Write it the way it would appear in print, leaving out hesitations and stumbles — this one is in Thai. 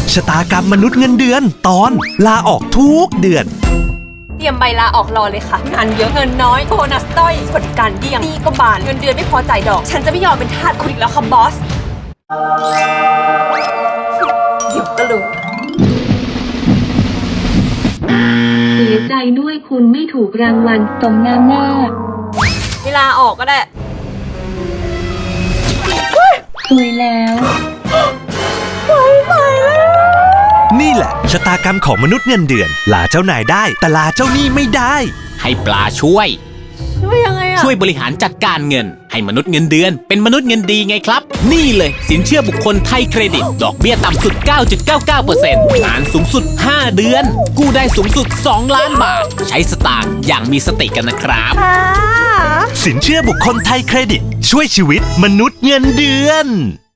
ชะตากรรมมนุษย์เงินเดือนตอนลาออกทุกเดือนเตรียมใบลาออกรอเลยค่ะงานเยอะเงินน้อยโบนัสต้อยสวัสดิการเดี่ยงหนี้ก็บานเงินเดือนไม่พอจ่ายดอกฉันจะไม่ยอมเป็นทาสคุณอีกแล้วค่ะบอสเดี๋ยวก็รู้เสียใจด้วยคุณไม่ถูกรางวัลสมน้ำหน้าเวลาออกก็ได้สวยแล้วนี่แหละชะตากรรมของมนุษย์เงินเดือนลาเจ้านายได้แต่ลาเจ้าหนี้ไม่ได้ให้ปลาช่วยยังไงช่วยบริหารจัดการเงินให้มนุษย์เงินเดือนเป็นมนุษย์เงินดีไงครับนี่เลยสินเชื่อบุคคลไทยเครดิตดอกเบี้ยต่ำสุด 9.99% นานสูงสุด5เดือนกู้ได้สูงสุด2ล้านบาทใช้สตางค์อย่างมีสติกันนะครับสินเชื่อบุคคลไทยเครดิตช่วยชีวิตมนุษย์เงินเดือน